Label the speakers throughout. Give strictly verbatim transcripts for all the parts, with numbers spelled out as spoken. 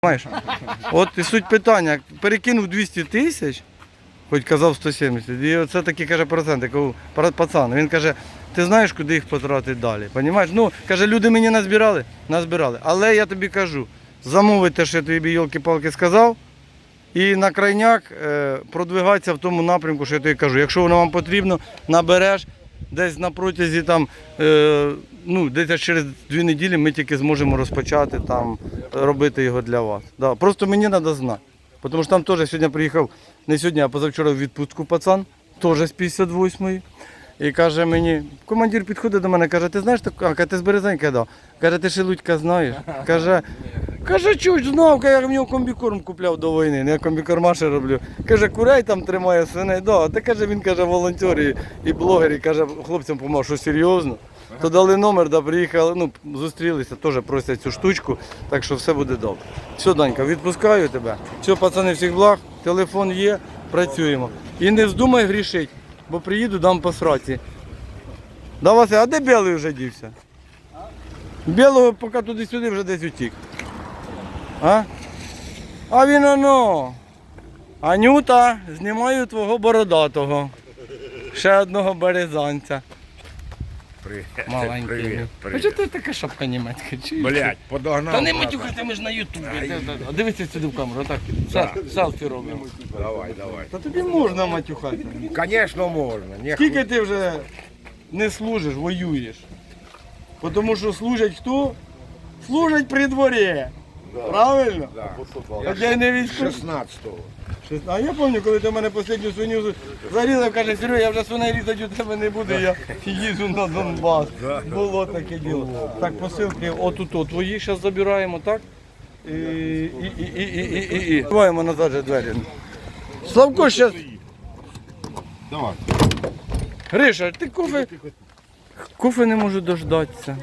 Speaker 1: Знаєш? От і суть питання, перекинув двісті тисяч, хоч казав сто сімдесят, і оце такі, каже, проценти, кажу, пацан, він каже, ти знаєш, куди їх потратити далі, розумієш? Ну, каже, люди мені назбирали, назбирали, але я тобі кажу, замовити те, що я тобі йолки-палки сказав, і на крайняк е, продвигатися в тому напрямку, що я тобі кажу, якщо воно вам потрібно, набереш, десь на протязі там, е, ну, десь через дві неділі ми тільки зможемо розпочати там, робити його для вас. Да. Просто мені треба знати. Тому що там теж сьогодні приїхав, не сьогодні, а позавчора в відпустку пацан, теж з п'ятдесят восьмої. І каже мені, командир підходить до мене, каже, ти знаєш, а, ти з Березенька дав? Каже, ти Шелудька знаєш? Каже, каже, чуть знав, я в нього комбікорм купляв до війни, я комбікормаші роблю. Каже, курей там тримає, свиней, да. Та каже, він каже, волонтер і, і блогер, і каже, хлопцям помав, що серйозно. То дали номер, да, приїхали, ну, зустрілися, теж просять цю штучку, так що все буде добре. Все, Данька, відпускаю тебе. Все, пацани, всіх благ, телефон є, працюємо. І не вздумай грішить, бо приїду, дам по сраці. Да, Вася, а де білий вже дівся? Білого поки туди-сюди вже десь утік. А? А він оно. Анюта, знімаю твого бородатого. Ще одного березанця.
Speaker 2: Привіт.
Speaker 1: Маленький.
Speaker 2: Привіт,
Speaker 1: А
Speaker 2: привіт.
Speaker 1: чого ти така шапка німецька?
Speaker 2: Блять, подогнав.
Speaker 1: Та не
Speaker 2: брата.
Speaker 1: матюхайте, ми ж на ютубі. А дивися сюди в камеру, так. Сел- Селфі робимо.
Speaker 2: Давай, давай.
Speaker 1: Та тобі можна матюхати.
Speaker 2: Конечно, можна. Не
Speaker 1: Скільки ти вже не служиш, воюєш? Тому що служать хто? Служать при дворі. Правильно?
Speaker 2: Да.
Speaker 1: Хоча й не військовий.
Speaker 2: шістнадцятого.
Speaker 1: А я пам'ятаю, коли ти мене останню свиню зарізав, каже, Серега, я вже свиней різати у тебе не буду, я їду на Донбас. Було таке діло. Так, посилки отут, твої зараз забираємо, так? І, і, і, і, і, і, і, і. Даваємо назад же двері. Славко, зараз.
Speaker 2: Давай.
Speaker 1: Гриша, ти кофе... Кофе не можу дождатися.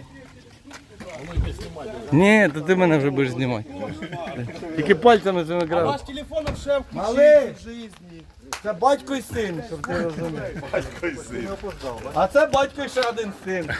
Speaker 1: Ні, то ти мене вже будеш знімати. Тільки пальцями цими грав.
Speaker 3: Ваш телефон шеф
Speaker 1: Малий!
Speaker 3: в житті.
Speaker 1: Це батько і син, щоб ти розумів.
Speaker 2: Батько і син.
Speaker 1: А це батько і ще один син.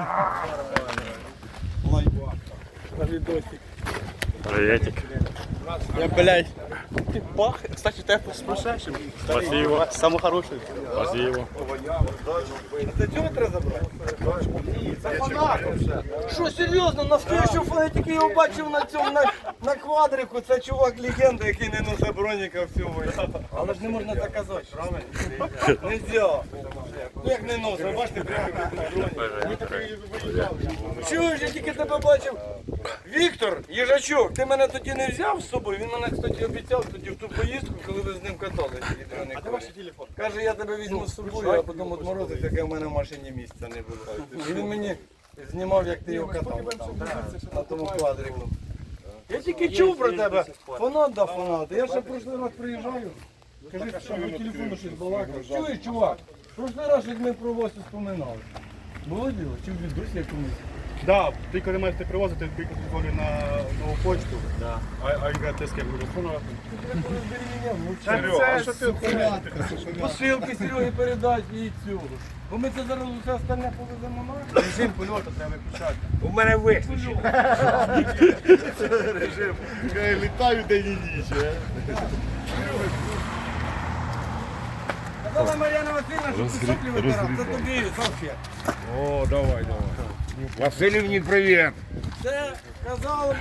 Speaker 4: Приветик.
Speaker 3: Я, блядь, ты бах. Кстати, ты с прошедшим.
Speaker 4: Спасибо.
Speaker 3: Самый хороший.
Speaker 4: Спасибо.
Speaker 1: Це цього треба забрати? Це фанатом ще. Що, серйозно, настоящого фанатики його бачив на цьому, на, на квадрику. Це чувак-легенда, який не носить броніка всього. Але ж не можна так казати, правильно? Нельзя. Ну як не носить, бачите, прямо броніка. Чуєш, я тільки тебе бачив. Віктор, їжачок, ти мене тоді не взяв з собою? Він мене, кстати, обіцяв тоді в ту поїздку, коли ви з ним каталися. А де ваш телефон? Каже, я тебе візьму з собою, а потім відморозив, яке в мене в машині місця не було. І він мені знімав, як ти його катав там, на тому квадрику. Я тільки чув про тебе. Фанат да фанат. Я ще в прошлий раз приїжджаю. Кажи, що по телефону щось балакав. Чуєш, чувак? В прошлий раз щось ми про вас споминали. Було діло? Чи в відосі якомусь?
Speaker 5: Да, ти коли маєте привозити, ти приходиш на нову почту, да. а, а яка ти з ким буде фонувати?
Speaker 1: Серега,
Speaker 5: що ти
Speaker 1: посилки Сереги передати і цього. Бо ми це зараз усе остальне повеземо на.
Speaker 5: Режим польоту треба виключати.
Speaker 2: У мене виключено.
Speaker 5: Режим. Літаю день і ніч.
Speaker 1: Казала Мар'яна Васильівна, що ти соплі витирав. Це тобі, салфет.
Speaker 2: О, давай, давай. Васильівні, привіт.
Speaker 1: Це казав.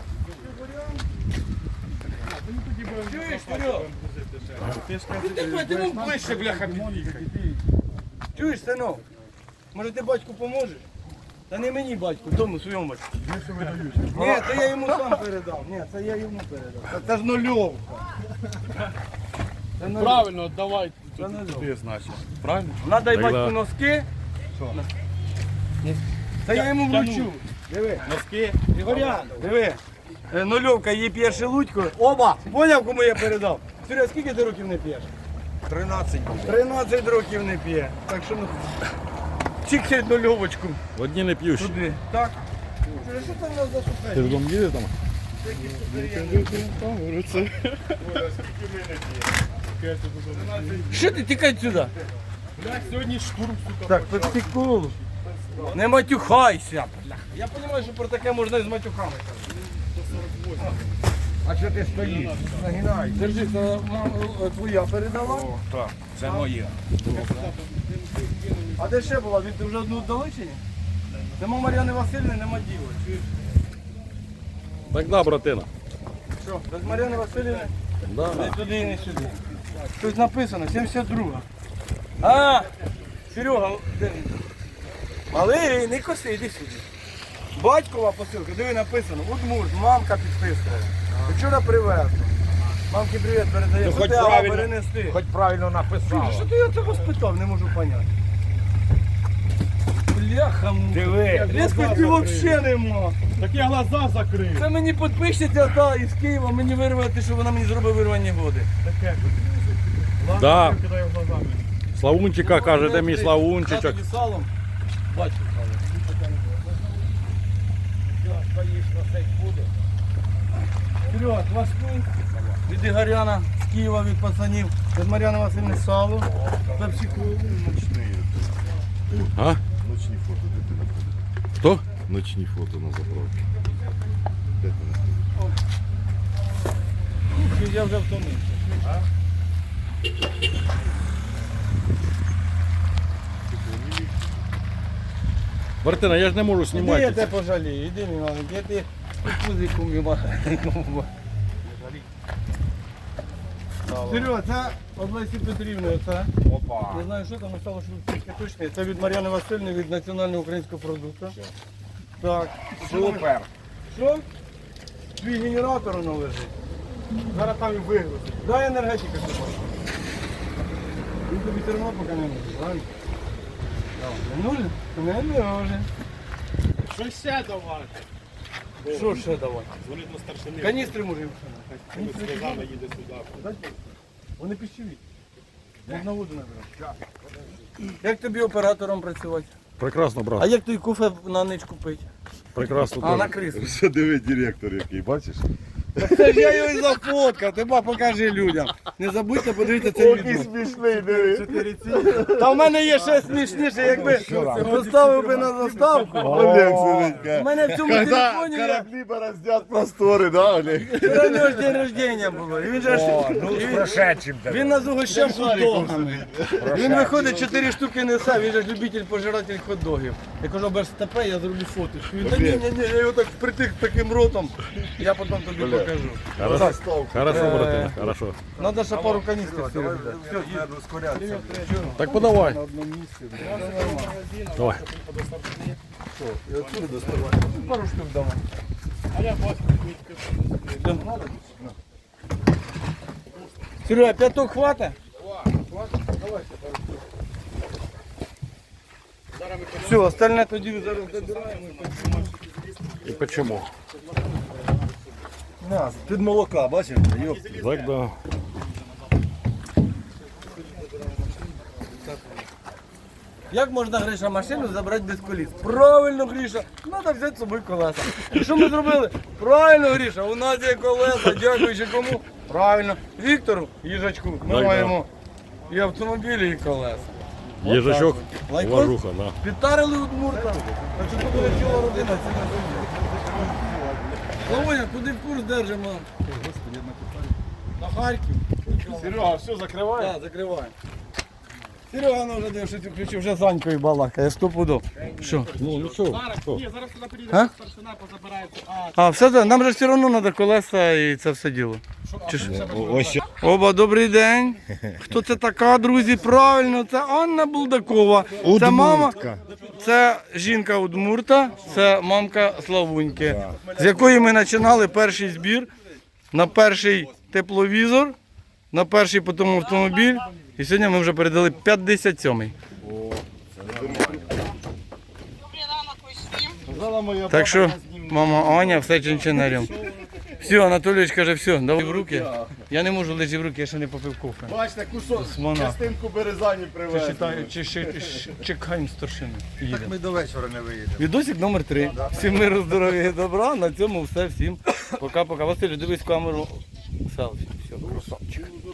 Speaker 1: Чуєш, Серега? Ти давай, ти мов ближче, бляха, під'їхай. Чуєш, синок? Може ти батьку поможеш? Та не мені батьку, тому своєму батьку. Ні, це я йому сам передав. Ні, це я йому передав. Це, це ж нульовка. Це нульовка.
Speaker 3: Правильно, давай.
Speaker 1: Це нульовка.
Speaker 3: Ти значить. Правильно?
Speaker 1: Надай
Speaker 4: Тогда-
Speaker 1: батьку носки. Це я йому вручу. Диви.
Speaker 3: Носки.
Speaker 1: Ігорян, диви. Е, Нульовка є п'є Шелудько. Оба! Поняв, кому я передав? Серега, скільки ти років не п'єш?
Speaker 2: тринадцять буде.
Speaker 1: тринадцять років не п'є. Так що ну. Тільки нульовочку.
Speaker 4: Одні не п'ють.
Speaker 1: Туди. Так. Серега, що це в нас за
Speaker 4: Ти
Speaker 1: шукає?
Speaker 4: додому їдеш там?
Speaker 1: Що ти тікай сюди?
Speaker 5: Блядь, сьогодні штурм, сука.
Speaker 1: Так, пепсиколу. Не матюхайся. Я розумію, що про таке можна і з матюхами.
Speaker 2: А що ти стоїш? Нагинай.
Speaker 1: Держи, це мам, е, твоя передала.
Speaker 2: О, так, це моє.
Speaker 1: А де ще була? Він ти вже одну вдали чи ні? Нема Мар'яни Васильівни, нема діла. Чуєш?
Speaker 4: Так да, братина.
Speaker 1: Що, без Мар'яни Васильівни?
Speaker 4: Да.
Speaker 1: Не туди і не сюди. Тут написано, сімдесят друга. А, Серега, де він? Малий, не коси, іди сюди. Батькова посилка, диви написано, Удмурт, мамка підписувала. Вчора привезла. Мамки привіт передає,
Speaker 2: Ну,
Speaker 1: що
Speaker 2: хоч
Speaker 1: ти Алла,
Speaker 2: правильно.
Speaker 1: перенести.
Speaker 2: Хоч правильно
Speaker 1: Слухай,
Speaker 2: написав.
Speaker 1: що ти я тебе спитав, не можу поняти. Бляха,
Speaker 2: Диви.
Speaker 1: різкості взагалі нема.
Speaker 5: Так я глаза закрив.
Speaker 1: Це мені підписчиця та із Києва, мені вирвати, що вона мені зробить вирвані годи.
Speaker 5: Таке.
Speaker 4: Да.
Speaker 5: Кидаю глазами.
Speaker 4: Славунчика каже, де мій Славунчичок.
Speaker 1: Я тобі салом, бачу салом.
Speaker 2: Стоїш, носить буде.
Speaker 1: Серега, кваску від Ігоряна з Києва, від пацанів, від Мар'яни Васильівни сало, пепсику.
Speaker 4: А?
Speaker 6: Ночні фото, де ти знаходиш?
Speaker 4: Хто?
Speaker 6: Ночні фото на заправці. Де ти знаходиш?
Speaker 1: Я вже втомився.
Speaker 4: Братина, я ж не можу
Speaker 1: Іди, я
Speaker 4: знімати.
Speaker 1: тебе пожалію, іди, мій маленький, я тебе пузику мій маленькому. Серега, це від Лесі Петрівни, оце.
Speaker 2: Опа.
Speaker 1: Не знаю, що там стало, що тільки точно. Це від Мар'яни Васильівни, від національного українського продукту. Так.
Speaker 2: Супер.
Speaker 1: Що? Твій генератор воно лежить.
Speaker 5: Зараз там і вигрузить.
Speaker 1: Дай енергетика сьогодні. Він тобі все одно поки не може, правильно? Не може? Не може.
Speaker 5: Що ще давати?
Speaker 1: Що ще давати?
Speaker 5: Дзвонить на старшини.
Speaker 1: Каністри може.
Speaker 5: Він з глазами їде сюди.
Speaker 1: Вони пищеві. Можна воду набирати. Як тобі оператором працювати?
Speaker 4: Прекрасно,
Speaker 1: А
Speaker 4: брат.
Speaker 1: як той кофе на ніч купити?
Speaker 4: Прекрасно.
Speaker 1: А на
Speaker 4: теж.
Speaker 1: крису.
Speaker 6: Що диви директор який, бачиш?
Speaker 1: Це ж я його і зафоткав, ти ба покажи людям. Не забудьте подивитися це відео.
Speaker 6: смішний, диви.
Speaker 1: Та в мене є ще смішніше, якби поставив би на заставку.
Speaker 6: Олег
Speaker 1: У
Speaker 6: сидить.
Speaker 1: мене в цьому
Speaker 6: Когда
Speaker 1: телефоні є.
Speaker 6: кораблі бороздят простори, да, Олег?
Speaker 1: Вчора в нього ж день рождення було. І він же ж
Speaker 2: О, ну з прошедшим тебе.
Speaker 1: він нас угощав хот-догами. Він виходить, чотири штуки несе, він же ж любитель пожиратель хот-догів. Я кажу, без степе, я зроблю фоточку. Він, та ні, ні, ні, я його так впритик таким ротом. Я потім тобі покажу.
Speaker 4: Хорошо, хорошо, братина, хорошо.
Speaker 1: Надо ще пару каністрів сюди дати. Все, їдь.
Speaker 4: Так подавай.
Speaker 1: На одному місці.
Speaker 4: Давай.
Speaker 1: І отсюди доставай. Пару штук давай.
Speaker 5: А я бачу,
Speaker 1: Серега, п'яток хватить? Все, остальне тоді зараз добираємо.
Speaker 4: І почему?
Speaker 6: Під молока, бачиш?
Speaker 4: Так, да.
Speaker 1: Як можна, Гриша, машину забрати без коліс? Правильно, Гриша, треба взяти з собою колеса. І що ми зробили? Правильно, Гриша, у нас є колеса, дякуючи кому? Правильно, Віктору, їжачку, ми
Speaker 4: Так,
Speaker 1: маємо і автомобілі, і колеса.
Speaker 4: Їжачок,
Speaker 1: Лайкос?
Speaker 4: уважуха, да.
Speaker 1: Підтарили Удмурта. Так що тут буде ціла родина, це не сумні. Володя, куди курс держимо? На Харків.
Speaker 5: Серега, все, закривай.
Speaker 1: Так, закриваємо. Серега ну, вже дивишся, включив, вже з Анькою балакає, стопудов. Що?
Speaker 4: Ну, нічого.
Speaker 5: Зараз,
Speaker 4: Що?
Speaker 5: ні, зараз туди приїде
Speaker 1: А?
Speaker 5: старшина, позабирається. А,
Speaker 1: А, все це, нам же все одно треба колеса і це все діло. Чи ж?
Speaker 6: Ось
Speaker 1: Оба, добрий день. Хто це така, друзі? Правильно, це Анна Булдакова. Це мама, це жінка Удмурта, це мамка Славуньки, з якої ми починали перший збір на перший тепловізор, на перший потім автомобіль. І сьогодні ми вже передали п'ятдесят сьомий. Так що, мама Аня, все чинчинарем. Все, Анатолійович каже, все, давай в руки. Я не можу лежати в руки, я ще не попив кофе.
Speaker 6: Бачите, кусок,
Speaker 1: Смона.
Speaker 6: частинку березані
Speaker 1: Чи
Speaker 6: привезли.
Speaker 1: читаю, чи ще чекаємо старшину. Їдемо.
Speaker 2: Ми до вечора не виїдемо.
Speaker 1: Відосик номер три. Всім миру, здоров'я і добра. На цьому все. Всім пока-пока. Василь, дивись в камеру. Селфі. Все, красавчик.